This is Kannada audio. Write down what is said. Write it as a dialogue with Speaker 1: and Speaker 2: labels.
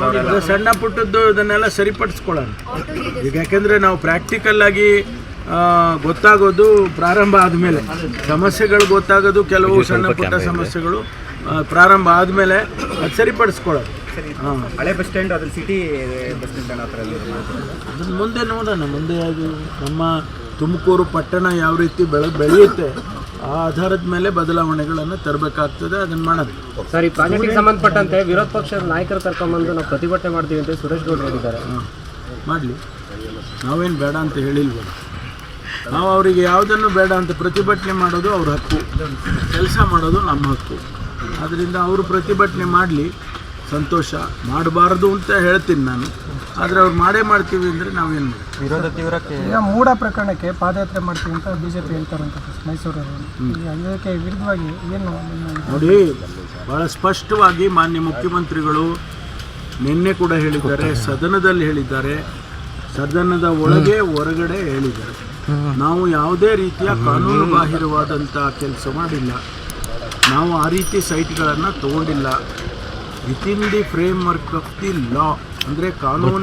Speaker 1: ಸಣ್ಣ ಪುಟ್ಟದ್ದು ಇದನ್ನೆಲ್ಲ ಸರಿಪಡಿಸ್ಕೊಳ್ಳೋಣ ಈಗ. ಯಾಕೆಂದರೆ ನಾವು ಪ್ರಾಕ್ಟಿಕಲ್ ಆಗಿ ಗೊತ್ತಾಗೋದು ಪ್ರಾರಂಭ ಆದಮೇಲೆ, ಸಮಸ್ಯೆಗಳು ಗೊತ್ತಾಗೋದು ಕೆಲವು ಸಣ್ಣ ಪುಟ್ಟ ಸಮಸ್ಯೆಗಳು ಪ್ರಾರಂಭ ಆದಮೇಲೆ ಅದು ಸರಿಪಡಿಸ್ಕೊಳ್ಳೋದು.
Speaker 2: ಹಳೆ ಬಸ್ ಸ್ಟ್ಯಾಂಡ್ ಅದ್ರ ಸಿಟಿ ಬಸ್ ಸ್ಟ್ಯಾಂಡ್ ಹತ್ರ
Speaker 1: ಅದನ್ನು ಮುಂದೆ ನೋಡೋಣ. ಮುಂದೆ ಅದು ನಮ್ಮ ತುಮಕೂರು ಪಟ್ಟಣ ಯಾವ ರೀತಿ ಬೆಳೆಯುತ್ತೆ ಆ ಆಧಾರದ ಮೇಲೆ ಬದಲಾವಣೆಗಳನ್ನು ತರಬೇಕಾಗ್ತದೆ. ಅದನ್ನು ಮಾಡೋದು.
Speaker 3: ಸರ್, ಈ ಪ್ರಾಜೆಕ್ಟಿಗೆ ಸಂಬಂಧಪಟ್ಟಂತೆ ವಿರೋಧ ಪಕ್ಷದ ನಾಯಕರು ಕರ್ಕೊಂಡ್ಬಂದು ನಾವು ಪ್ರತಿಭಟನೆ ಮಾಡ್ತೀವಿ ಅಂತ ಸುರೇಶ್ ಗೌಡ್ರು ಹೇಳಿದ್ದಾರೆ.
Speaker 1: ಮಾಡಲಿ, ನಾವೇನು ಬೇಡ ಅಂತ ಹೇಳಿಲ್ವಲ್ಲ. ನಾವು ಅವರಿಗೆ ಯಾವುದನ್ನು ಬೇಡ ಅಂತ ಪ್ರತಿಭಟನೆ ಮಾಡೋದು ಅವ್ರ ಹಕ್ಕು, ಕೆಲಸ ಮಾಡೋದು ನಮ್ಮ ಹಕ್ಕು. ಆದ್ದರಿಂದ ಅವರು ಪ್ರತಿಭಟನೆ ಮಾಡಲಿ, ಸಂತೋಷ. ಮಾಡಬಾರ್ದು ಅಂತ ಹೇಳ್ತೀನಿ ನಾನು, ಆದರೆ ಅವ್ರು ಮಾಡ್ತೀವಿ ಅಂದರೆ ನಾವೇನು ಮಾಡಿ.
Speaker 2: ವಿರೋಧ ತೀವ್ರಕ್ಕೆ
Speaker 4: ಈಗ ಮೂಢ ಪ್ರಕರಣಕ್ಕೆ ಪಾದಯಾತ್ರೆ ಮಾಡ್ತೀವಿ ಅಂತ BJP ಹೇಳ್ತಾರಂತ ಮೈಸೂರವರು. ಅದಕ್ಕೆ ವಿರುದ್ಧವಾಗಿ ಏನು
Speaker 1: ನೋಡಿ, ಭಾಳ ಸ್ಪಷ್ಟವಾಗಿ ಮಾನ್ಯ ಮುಖ್ಯಮಂತ್ರಿಗಳು ನಿನ್ನೆ ಕೂಡ ಹೇಳಿದ್ದಾರೆ, ಸದನದಲ್ಲಿ ಹೇಳಿದ್ದಾರೆ, ಸದನದ ಒಳಗೆ ಹೊರಗಡೆ ಹೇಳಿದ್ದಾರೆ. ನಾವು ಯಾವುದೇ ರೀತಿಯ ಕಾನೂನು ಬಾಹಿರವಾದಂಥ ಕೆಲಸ ಮಾಡಿಲ್ಲ. ನಾವು ಆ ರೀತಿ ಸೈಟ್ಗಳನ್ನು ತಗೊಂಡಿಲ್ಲ. Within the framework of the law, ಅಂದರೆ ಕಾನೂನು